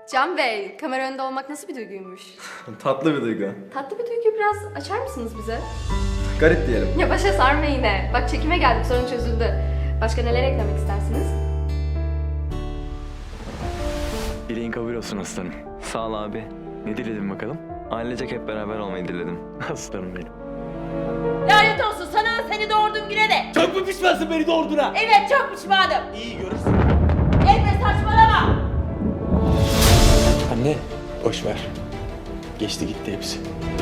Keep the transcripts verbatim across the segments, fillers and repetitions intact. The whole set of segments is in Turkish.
Can Bey, kamera önünde olmak nasıl bir duyguymuş? Tatlı bir duygu. Tatlı bir duyguyu biraz açar mısınız bize? Garip diyelim. Ya başa sarma yine. Bak çekime geldik, sorun çözüldü. Başka neler eklemek istersiniz? Dileğin kabul olsun aslanım. Sağ ol abi. Ne diledin bakalım? Ailecek hep beraber olmayı diledim. Aslanım benim. Lanet olsun sana seni doğurduğum güne de. Çok mu pişmansın beni doğurduğuna? Evet çok pişmanım. İyi görürsün. Elbe saçmalama. Anne, boş ver. Geçti gitti hepsi.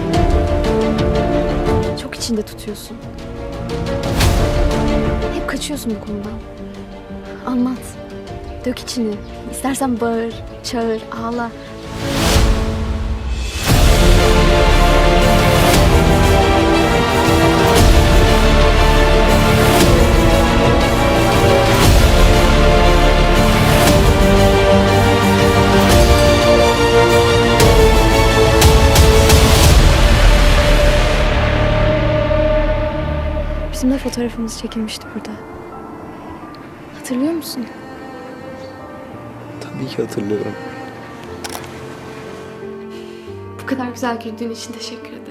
Çok içinde tutuyorsun. Hep kaçıyorsun bu konudan. Anlat. Dök içini. İstersen bağır, çağır, ağla. Bizim de fotoğrafımız çekilmişti burada. Hatırlıyor musun? Tabii ki hatırlıyorum. Bu kadar güzel güldüğün için teşekkür ederim.